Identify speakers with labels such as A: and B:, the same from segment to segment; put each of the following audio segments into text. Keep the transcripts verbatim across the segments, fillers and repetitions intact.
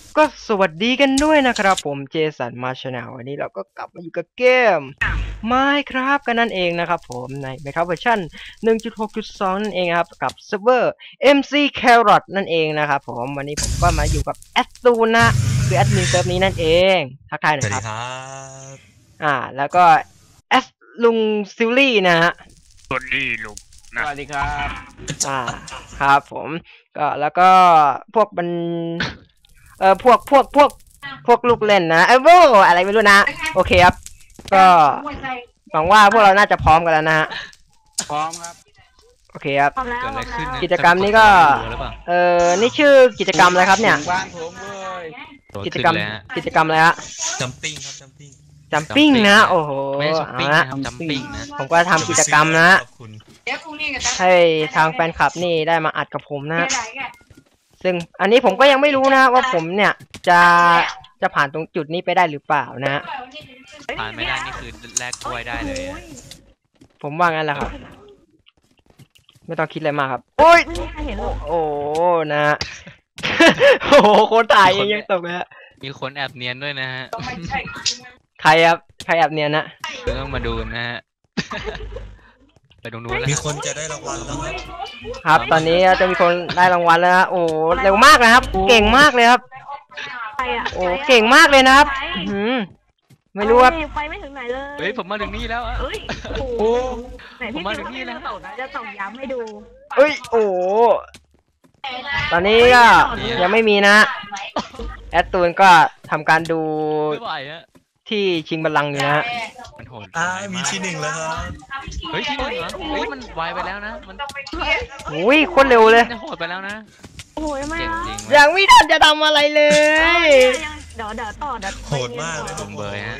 A: ก็สวัสดีกันด้วยนะครับผมเจสันมาชาแนลวันนี้เราก็กลับมาอยู่กับเกม Minecraft กันนั่นเองนะครับผมใน Minecraft เวอร์ชัน หนึ่งจุดหกจุดสอง นั่นเองครับกับเซิร์ฟเวอร์ เอ็ม ซี Carrot นั่นเองนะครับผมวันนี้ผมก็มาอยู่กับแอดตูนนะคือแอดมินเซิร์ฟนี้นั่นเองทักทายหน่อยครับอ่าแล้วก็แอดลุงซิลลี่นะฮะ
B: สวัสดีลุง
C: สวัสดีครับ
A: อ่าครับผมก็แล้วก็พวกมันเออพวกพวกพวกพวกลูกเล่นนะเออโว้อะไรไม่รู้นะโอเคครับก็หวังว่าพวกเราน่าจะพร้อมกันแล้วนะฮะ
C: พร้อมครับ
A: โอเคครับ
B: เกิดอะไรขึ้น
A: กิจกรรมนี้ก็เออนี่ชื่อกิจกรรมอะไรครับเนี่ย
C: บ้านผมเลย
A: กิจกรรมกิจกรรมอะไรฮะ
D: จัมปิ้งครับจัมปิ้ง
A: จัมปิ้งนะโอ้โห
B: ไม่ใช่ปิ้งนะจัมปิ้งนะ
A: ผมก็ทำกิจกรรมนะให้ทางแฟนคลับนี่ได้มาอัดกับผมนะซึ่งอันนี้ผมก็ยังไม่รู้นะว่าผมเนี่ยจะจะผ่านตรงจุดนี้ไปได้หรือเปล่านะฮะ
B: ผ่านไม่ได้นี่คือแลกกล้วยได้เลย
A: ผมว่างั้นแหละครับไม่ต้องคิดอะไรมากครับโอ้ยโอ้นะฮะโอ้โหคนถ่ายยังตกเลยฮะ
B: มีคนแอบเนียนด้วยนะฮะ
A: ใครครับใครแอบเนียนนะ
B: ต้องมาดูนะฮะไปตรงนู้น
D: มีคนจะได้รางวัลแล้วครับ
A: ครับตอนนี้จะมีคนได้รางวัลแล้วโอ้เร็วมากนะครับเก่งมากเลยครับโอ้เก่งมากเลยนะครับอืมไม่รู้ว่า
E: ไปไม่ถึงไหนเลย
B: เฮ้ยผมมาถึงนี่แล้วอ่ะ
E: เฮ้ยโอ้ไหนพี่มาถึงนี่แล้วจะส่งย้ำให้ดู
A: เฮ้ยโอ้ตอนนี้ก็ยังไม่มีนะแอดตูนก็ทำการดูที่ชิงบัลลังก์อยู่นะ
B: มันโหด
D: อ่ามีที่หนึ่งแล้วครับ
B: เฮ้ยที่หนึ่งเหรอเฮ้ยมันไวไปแล้วนะมัน
A: โอ้ยโคตรเร็วเลย
B: โหดไปแล้วนะ
E: โอ้ยไม่
A: ยังไม่ทันจะทำอะไรเลย
E: เดี๋ยวเดี๋ยวต่อเดี๋ยว
D: โหดมากเลย
B: ตรงเบอร์ฮะ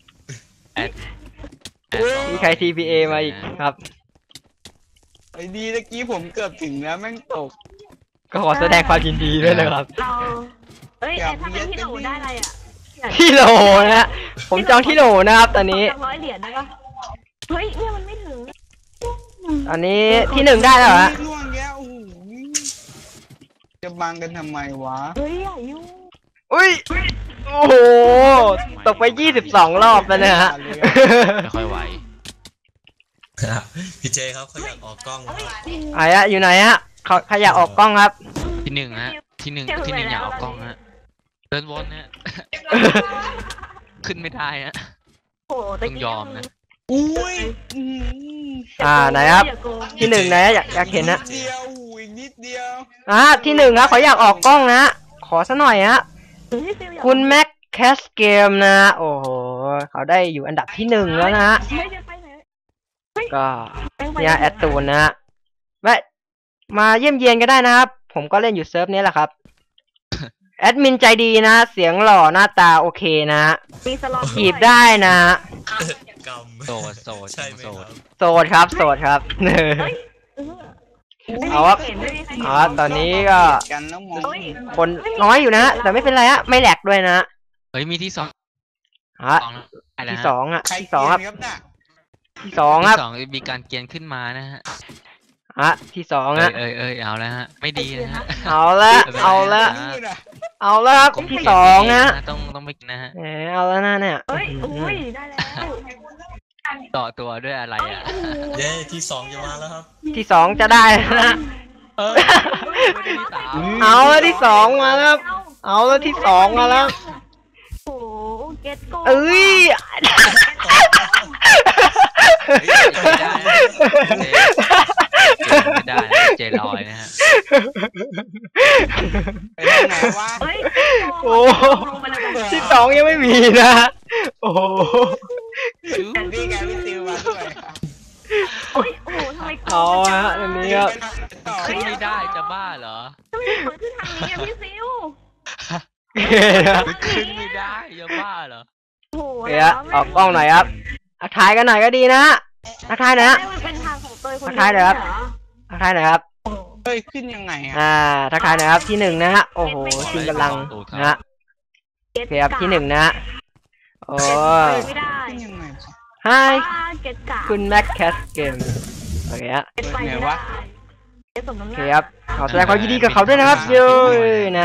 A: มีใคร ที พี เอ มาอีกครับ
C: ไอ้ดีตะกี้ผมเกือบถึงแล้วแม่งตก
A: ก็ขอแสดงความยินดีด้วยนะครับ
E: เราเฮ้ยถ้าเป็นที่โหลได้อะไรอ่ะ
A: ที่โหลนะผมจองที่โหลนะครับตอนนี้
E: ร้อยเหรียญได้ปะเฮ้ยเนี่ยมันไม่ถึง
A: ตอนนี้ที่หนึ่งได้แล้วเหรอ
C: ล่วงแก้วจะบังกันทำไมวะ
E: เฮ้ยอายุ
A: อุ้ยโอ้โหตกไปยี่สิบสองรอบแล้วนะฮะ
B: ไม่ค่อยไหว
D: พี่เจครับเขาอยากออกกล้อง
A: ไอ้อะอยู่ไหนฮะเขาเขาอยากออกกล้องครับ
B: ที่หนึ่งฮะที่หนึ่งที่หนึ่งอยากออกกล้องฮะเดินวนฮะขึ้นไม่ได้ฮะต้องยอมนะ
C: อุ้ย
A: อ่าไหนครับที่หนึ่งไหนอยากอยากเห็นนะ
C: เดียวอีกนิดเดียว
A: อ่าที่หนึ่งครับเขาอยากออกกล้องนะขอซะหน่อยฮะคุณแม็กแคสเกมนะโอ้โหเขาได้อยู่อันดับที่หนึ่งแล้วนะฮะก็เนี่ยแอดตูนนะฮะแวะมาเยี่ยมเยียนก็ได้นะครับผมก็เล่นอยู่เซิร์ฟนี้แหละครับแอดมินใจดีนะเสียงหล่อหน้าตาโอเคนะจีบได้นะ
B: โสดโสดใช่ไหมครับ
A: โสดครับโสดครับเอาว่าอ๋อตอนนี้ก็คนน้อยอยู่นะแต่ไม่เป็นไรฮะไม่แหลกด้วยนะ
B: เฮ้ยมีที่สอง
A: ฮะที่สองอ่ะที่สองครับที่สองครับ
B: มีการเกียนขึ้นมานะฮะ
A: ฮะที่สองฮะ
B: เอ้ยเอ้ยเอาแล้วฮะไม่ดีนะฮะ
A: เอาละเอาละเอาละครับที่สองฮะ
B: ต้องต้องไปกินนะฮะ
A: เออเอาแล้วนะเนี่ย
E: เฮ้ยอุ้ยได้แล้ว
B: ต่อตัวด้วยอะไรอ่ะ
D: เย้ที่สองจะมาแล้วครับ
A: ที่สองจะได้นะเอาแล้วที่สองมาแล้วเอาแล้วที่สองมาแล้ว
E: โอ้เก็ตโก้
A: เอ้ย
B: ไม่ได้เจลอยนะฮะ
A: โอ้ที่สองยังไม่มีนะโอ้โห
C: นี่ไงพี่ติวมาด้วย
E: โอ้โหทำไม
A: เอาฮะอันนี้ครับ
B: ขึ้นไม่ได้จะบ้าเหรอ
E: ทำไมเปิดขึ้นทางนี้พี่ซิว
B: ขึ้นไม่ได้จะบ้าเหรอ
A: โอ้ยออกกล้องหน่อยครับทักทายกันหน่อยก็ดีนะทักทายนะทักทายหน่อยครับทักทายหน่อยครับ
C: เฮ้ยขึ้นยังไง
A: อ่าทักทายหน่อยครับที่หนึ่งนะฮะโอ้โหชิงกำลังนะฮะโอเคครับที่หนึ่งนะโอ้ยไฮคุณแม็กแคสเกมโอเคฮะโอเคครับขอแสดงความยินดีกับเขาด้วยนะครับเย้นะฮะ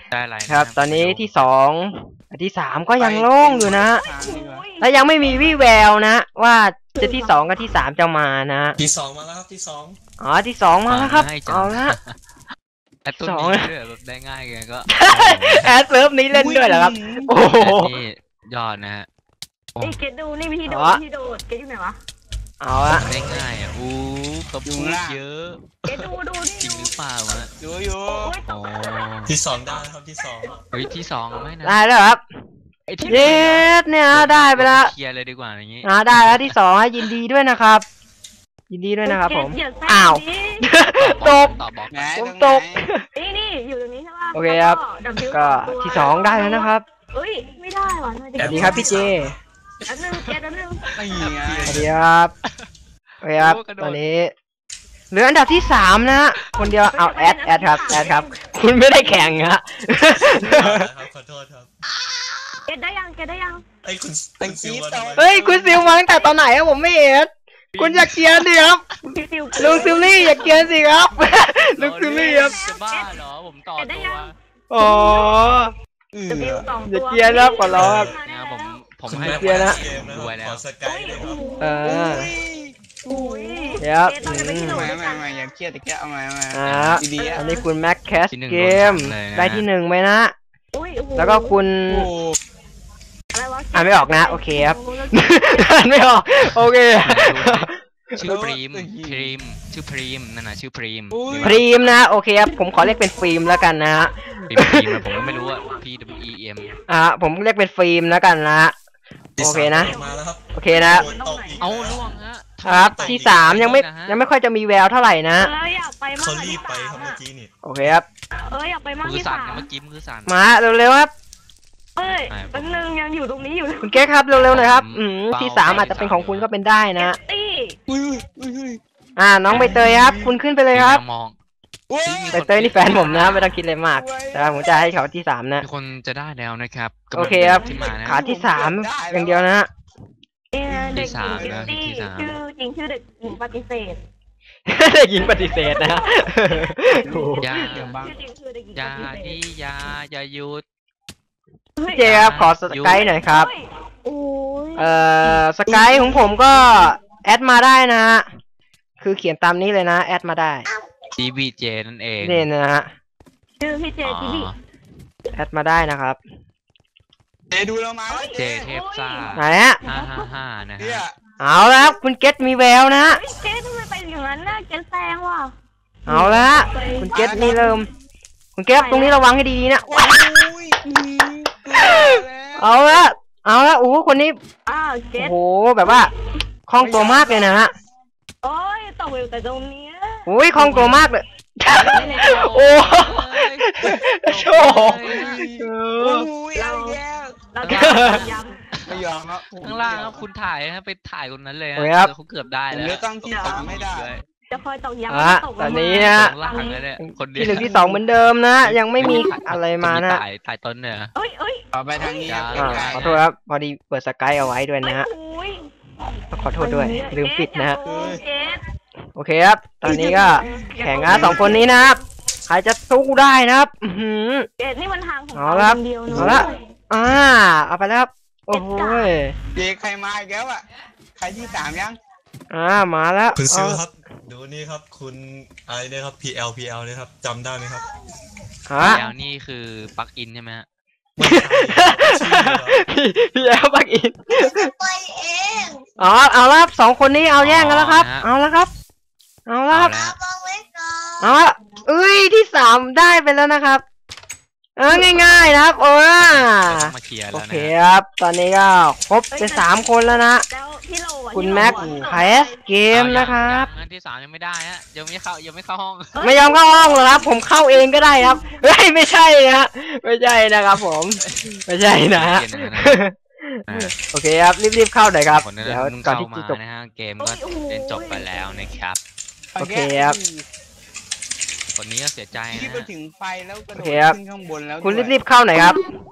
B: ได้อะไระ
A: ครับ ตอนนี้ที่สองที่สามก็ยังโล่งอยู่นะ
C: ทางดีกว่า
A: และยังไม่มีวี่แววนะ ว่าจะที่สองกับที่สามจะมานะ
D: ที่สองมาแล้วครับที่สอง
A: อ๋อที่สองมาแล้วครับ
B: ง่ยจัง
A: เอาละ
B: ไอ้ตุ้น
A: สอง
B: นี้ด้วยแบบได้ง่ายไงก็
A: แอดเซิร์ฟนี้เล่นด้วยเหรอครับ โอ้โห
B: โอ้นี่ยอดนะฮะ
E: ไอ้เกดดูนี่วิธีโด
A: อ๋
E: ด
A: อ
E: วิธีโดดเกดอยู่ไหนวะ
A: เอาละ
B: ได้ง่ายอ่ะอู้เขาพูดเยอะ
E: เกดดูดูนี่
B: จริง
E: ดู
B: หรือเปล่าวะ
C: อยู่อยู่
E: โอ้ยต
B: โอ้
E: ก
D: ที่สองได้ครับที่สอง
B: เฮ้ยที่สองไม่นะ
A: ได้แล้วครับ
B: ไอ้ที่
A: เย็ดเนี่ยได้ไปแล้ว
B: เคลียร์เลยดีกว่าอย่างงี้
A: อ่าได้แล้วที่สองยินดีด้วยนะครับ ยินดีด้วยนะครับผม
E: เกดอย่าแซง
A: อ้าว
E: ดิ
A: ตก
B: ต่อบอก
C: ไหน
A: ผม
C: ตรง
A: ตก
C: ไหน
E: นี่นี่อยู่ตรงนี้ใช่ปะ
A: โอเคครับ
E: แล้ว W
A: ก็
E: ตัว
A: ที่สองได้แล้วนะครับ
E: เอ้ยไม่ได้ว่ะน่าจะ
A: สวัสดีครับพี่เจ
E: อันนึงเกดอันนึง
C: ไม่ไง
A: สวัสดีครับโอเคครับ ตอนนี้เหลืออันดับที่สามนะฮะคนเดียวเอาแอดแอดครับแอดครับ คุณไม่ได้แข่งฮะ
D: ครับขอโทษครับ
E: เกดได้ยังเกดได้ยัง
D: ไอ้ยคุณคุณซิลมาทำไม
A: เฮ้ยคุณซิลมาตั้งแต่ตอนไหนอะผมไม่เห็นคุณอยากเกียร์สิครับ
E: พี่ซิว
A: ลุงซิลลี่อยากเกียร์สิครับ ลุงซิลลี่ครับ
B: จะบ้าเหรอผมต่อตัว
A: อ๋อ
C: เอ
E: จะมี
C: อ
E: สอง
A: อย่า
E: ตัว
A: เกลียดนะขอร้องครับ
B: นะผมผม
D: คุณ
B: ให้
D: แม่
A: เกียร์นะ
D: เกมนะค
B: รวยแล้
D: รับ
B: ว
D: ขอสกายเลยครับ
A: เออ
E: อุ้ย
A: เดี๋ยว
E: เกดเราจะไปที่โหล
C: ไม่
E: ด้วย
C: ไม่
E: กัน
C: ไม่อย่าเครียดแต่แกเอามาเอามา
A: อ่า
C: ดีๆ
A: อั
C: อ่ะ
A: นนี้คุณแม็กแคส
B: ที่หนึ่ง
A: เกม
B: โดนเลยนะ
A: ได้ที่หนึ่งไหมนะ
E: อุ้ยโอ้โห
A: แล้วก็คุณ
C: โอ้
E: อะไรวะ
A: อ่านไม่ออกนะโอเคครับ อ่านไม่ออกโอเค
B: ชื่อพรีมพรีมชื่อพรีมนั่นน่ะชื่อพรีม
A: พรีมนะโอเคครับผมขอเรียกเป็นฟิล์มแล้วกันนะฮะ
B: พรีมพรีมอะผมก็ไม่รู้ว่า P W E M
A: อ่าผมเรียกเป็นฟิล์มแล้วกันนะฮะ
D: ที่
A: โอ
D: สาม
A: เคนะ
D: มาแล้วครับ
A: โอเคนะ
D: โดนตกอีก
B: เอาล่วงฮะ
A: ครับที่สามยังไม่ยังไม่ค่อยจะมีแววเท่าไหร่นะ
E: เอออยากไปมาก
D: เขา
E: กว่า
D: รี
E: ที่
D: บไป
E: สาม
D: ครับเมื่
E: อะ
D: อกี้นี่
A: โอเคครับ
E: เอออยากไปมาก
B: มือ
E: ที่
B: สั่น
E: สาม
B: นะเมื่อกี้มือสั่น
A: มาเร็วๆครับ
E: เอ้ย
B: ไม่
E: แป๊บนึงยังอยู่ตรงนี้อยู่
A: คุณเก๊กครับเร็วๆหน่อยครับ อืม
B: เบา
A: ที่สามอาจจะเป็นของคุณก็เป็นได้นะ
E: ตี้
C: อุ้ยอุ้ยอุ้ย
A: อ่าน้องใบเตยครับ คุณขึ้นไปเลยครับ
B: มอง
C: อุ้ย
A: ใบเตยนี่แฟนผมนะไม่ต้องคิดอะไรมาก แต่ว่าผมจะให้เขาที่สามนะ
B: มีคนจะได้แล้วนะครับกำลัง
A: โอเคครับ
B: ที่มานะ
A: ขาที่สามอย่างเดียวนะฮะ
E: เอ้ยเด็กหญิง
B: ที่สามนะ
E: ตี้
B: ที่สาม
E: ชื่อจริงชื่อเด็กหญิงปฏิเสธ
A: เด็กหญิงปฏิเสธนะฮะโอ้โห
B: อย่า
C: เดี๋ยวบัง
E: ชื่อจริงคือเด็กหญิง
B: อย่า
E: ปฏิเส
B: ดิ
E: ธ
B: อย่าอย่าหยุด
E: เฮ้ย
A: เจครับขอสกายหน่อยครับ
E: เฮ้ยโอ้ย
A: เอ่อสกายของผมก็แอดมาได้นะฮะคือเขียนตามนี้เลยนะแอดมาได้
B: D B J นั่นเอง
A: นี่นะฮะ
E: ชื่อพี่เจ
B: อ๋อ
E: ทีบี
A: แอดมาได้นะครับ
C: เจดูเรามาแล้ว
B: เจเทพซ่า
A: ไหนฮะ
B: ห้าห้าห้านะ
C: เนี่ย
B: ฮะ
A: เอาละครับคุณเกตมีแววนะฮะ
E: เฮ้ยเจ๊ทำไมไปอย่างนั้นน่ะเจ๊แซงว่ะ
A: เอาละฮะคุณเกตนี่เริ่ม คุณเกตตรงนี้ระวังให้ดีๆนะ
C: โอ้ยอืมเกลือแล้ว
A: เอาละเอาละโอ้โหคนนี้
E: อ้าวเจ๊
A: โอ้โหแบบว่าคล่องตัวมากเลยนะฮะ
E: โอ้ยตกอยู่แต่ตรงเนี้ย
A: โอ้ยคล่องตัวมากเลยโอ้โชว์เอ
C: โอ้
A: อย
C: เอาอีกแล้ว
E: เราจะย้ำ
C: ไม่ยอมครับ
B: ข้างล่างครับคุณถ่ายฮะไปถ่ายคนนั้นเลยฮะ
A: โอเคครับ
B: เขาเกือบได้
C: ผม
B: แล้ว
C: เลือกตั้งที่สามไม่ได้
E: จะคอยตกย้ำ
A: อ่ะ
E: ตก
A: ตอนนี้
E: ลงมา
A: นะ
B: ข้างล่างเลยเนี่ยคนเดียว
A: ที่หนึ่งที่สองเหมือนเดิมนะ ยังไม่มีอะไรมานะ
B: ถ่ายถ่ายต้นเนี่ย
E: เอ้ยเอ้ย
C: ต่อไปทางนี้ครับ
A: อ่าขอโทษครับพอดีเปิดสกายเอาไว้ด้วยนะฮะ
E: โอ้ย
A: ขอโทษด้วยลืมปิดนะฮะ
E: เจ๊ด
A: โอเคครับ ตอนนี้ก็แข่งนะสองคนนี้นะครับ ใครจะสู้ได้นะครับ อือหือ
E: เจ๊ดนี่มันทางของ
A: เอา
E: เรา
A: ละครับ
E: คนเดียวเน
A: เอา
E: อะ
A: ละ อ่า เอาไปแล้วครับ โอ้โหย
C: เจใครมาอีกแล้วอ่ะใครที่สามยัง
A: อ่า มาแล้ว
D: คุณซิล
A: เอา
D: ครับดูนี่ครับคุณอะไรเนี่ยครับ P L P L เนี่ยครับจำได้ไหมครับ
A: ฮะ
B: แล้วนี่คือปลั๊กอินใช่ไหมฮะ
D: ไม่ใช่ชื่อครับ
A: พี่พี่แอลบักอินอ๋อ เอาละครับสองคนนี้เอาแย่งกันแล้วครับ เอาละครับ เอาละ
B: เอา
A: ครับ
B: แล้ว
A: เอาละเอ้ย ที่สามได้ไปแล้วนะครับ เออ ง่ายๆนะครับ โอ้ย
B: เราต้องมาเคลียร์
A: โอ
B: แล้ว
A: เค
B: นะ
A: ครับ ตอนนี้ก็ครบเป็นสามคนแล้วนะ
E: แล้วพี่โลอะ
A: คุณ
E: ที่โล
A: แม็ก
E: อะที่โล
A: ไพสเกมนะครับ
B: งั้นที่สามยังไม่ได้ฮะยังไม่เข้ายังไม่เข้าห้อง
A: ไม่ยอมเข้าห้องหรอกครับ ผมเข้าเองก็ได้ครับ เฮ้ย ไม่ใช่นะไม่ใช่นะครับผม ไม่ใช่นะฮะ
B: เกมนะอ่า
A: โอเคครับ รีบๆเข้าหน่อยครับ
B: คนนั้น
A: เดี๋ยว
B: เพิ่ง
A: ก่อน
B: เข้า
A: ที่
B: มา
A: จะจบ
B: นะฮะเกมก็เป็นจบไปแล้วนะครับ
A: โอเคครับ
B: คนนี้ก็เสียใจ
C: ที่
B: นะ
C: ไป
B: ฮะ
C: ถึงไฟแล้วกระโด
A: โอ
C: ด
A: เคครับ
C: ขึ้นข้างบนแล้ว
A: คุณ
C: ด้วย
A: รีบๆเข้าหน่อยครับ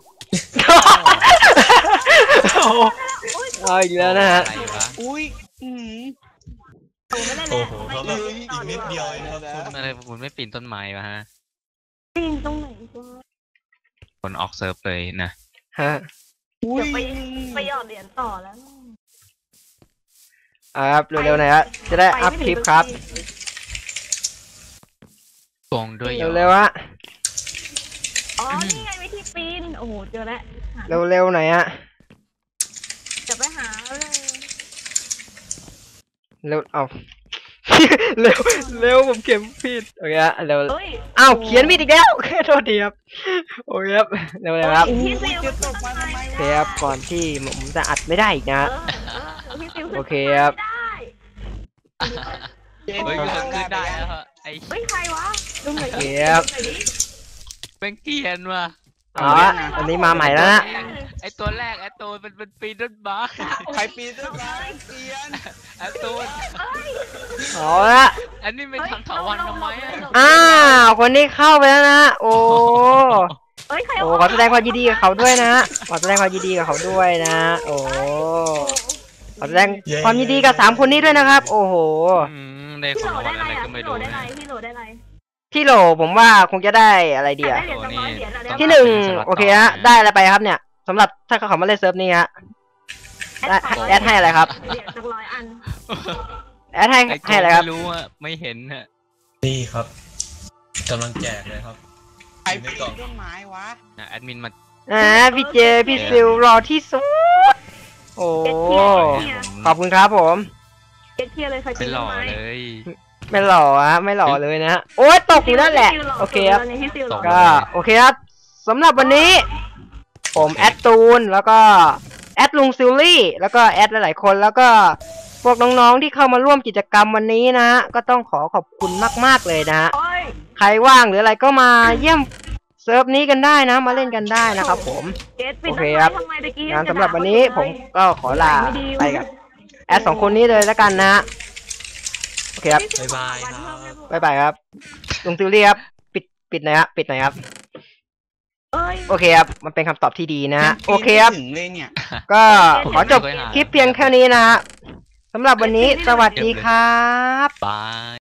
A: เอาอีกแล้วนะฮะ
B: อะไรวะ
C: อุ้ยอืม
E: ไม่ได้
D: โอ้
E: เลย
D: โหเขาแบบอีกนิดเดียวเองนะครับคุณ
B: อะไรคุณไม่ปีนต้นไม้วะฮะ
E: ปีนตรงไหนวะ
B: คนออกเซิร์ฟเลยนะ
A: ฮะ
C: อุ้ย
E: ไปไปหยอดเหรียญต่อแล้ว
A: อ่าครับเร็วๆหน่อยฮะจะได้อัพคลิปครับ
B: ฟองด้วยหยอ
A: เร็วๆฮะ
E: อ๋อนี่ไงวิธีปีนโอ้โหเจอแล้ว
A: เร็วๆหน่อยฮะ
E: จะไปหาเลย
A: เร็วเอา เร็วเร็วผมเขียนผิดโอเคฮะเร็ว
E: เฮ้ย
A: อ้าวเขียนผิดอีกแล้ว โทษทีครับโอเคครับเร็วๆครับ
E: พี่ซิว
C: จะตกมาทำไม
A: โอเคว
C: ะ
A: ครับก่อนที่ผมจะอัดไม่ได้อีกนะ
E: เอ
A: ฮะ
E: อเออพี่ซิว
A: โอเคครับ
E: ไม่ได้
B: เฮ้ยคือขึ้นได้แล้วฮะไอ้
E: เฮ้ยใครวะดูหน่อย
A: โอเค
E: ดิ
A: ครับ
E: ดูหน่อยดิ
B: เป็นเกรียนว่ะ
A: อ๋ออันนี้มาใหม่แล้วนะ
B: ไอ้ตัวแรกไอ้ตัวมันเป็นปีนต้นไม้
C: ใครปีนต้นไม้เตียน
B: ไอ้ตัว
E: เอ้ย
A: เอาละ
B: อันนี้ไม่ทำถาวันทำไมอ่ะ
A: อ้าวคนนี้เข้าไปแล้วนะโอ้
E: เอ้ยใคร
A: โอ้ขอแสดงความยินดีกับเขาด้วยนะขอแสดงความยินดีกับเขาด้วยนะ โอ้ขอแสดงความยินดีกับสามคนนี้ด้วยนะครับ โอ้โห
B: อืมได้
E: พี่
B: ข
E: โห
B: อง
E: ล
B: ราง
E: ได้
B: วัล
E: ไร
B: อะไร
E: อ่ะ
B: ก็ไม่
E: พี่โหล
B: รู้
E: ได้ไร
B: นะ
E: พี่โหลได้ไร
A: ที่โหลผมว่าคงจะได้อะไรดี
E: ได้
A: อะ
E: เหรียญสองร้อยเหรียญอะ
A: ที่หนึ่งโอเคฮะได้อะไรไปครับเนี่ยสำหรับถ้าเขามาเล่นเซิร์ฟนี้ฮะได้แอดให้อะไรครับ
E: เหรียญสักร้อยอัน
A: แอดให้
B: ไอ้
A: ให้อะไรครับ
B: ไม่รู้อ่ะไม่เห็นฮะ
D: นี่ครับกำลังแจกเลยครับ
C: ใครปีนต้นไม้วะ
B: นะแอดมินมา
A: อ่าพี่เจพี่ซิลรอที่สุดโอ้
E: เจ็ดเทียร์เจ็ดเทียร์
A: ขอบคุณครับผม
E: เจ็ดเทียร์เลยใคร
B: ไป
E: ปีน
B: หล่อ
E: ต้นไม้
B: เลย
A: ไม่หล่อฮะไม่หล่อเลยนะฮะโอ้ยตกอยู่นั่นแหละโอเคครับ
E: พี่ซิวหล่อ
A: ก็โอเคครับสำหรับวันนี้ ผมแอดตูนแล้วก็แอดลุงซิลลี่แล้วก็แอดหลายๆคนแล้วก็พวกน้องๆที่เข้ามาร่วมกิจกรรมวันนี้นะฮะก็ต้องขอขอบคุณมากๆเลยนะฮะ
E: โอ้ย
A: ใครว่างหรืออะไรก็มาเยี่ยมเซิร์ฟนี้กันได้นะมาเล่นกันได้นะครับผม
E: เจ็ดปีน
A: โอ
E: ต้
A: เคน ค
E: ไม้
A: รับ
E: ทำไมตะกี้
A: งานสำหรับวันนี้ผมก็ขอลาไปกับแอดสองคนนี้เลยแล้วกันนะฮะโอเคครับ
D: บ๊ายบายครับ
A: บ๊ายบายครับลุงซิลลี่ครับปิดปิดหน่อยครับปิดหน่อยครับ
E: เอ้ย
A: โอเคครับมันเป็นคำตอบที่ดีนะฮะโอเคครับ
C: ถึงเลยเนี่ย
A: ก็ขอจบคลิปเพียงแค่นี้นะฮะสำหรับวันนี้สวัสดีครับ
B: บาย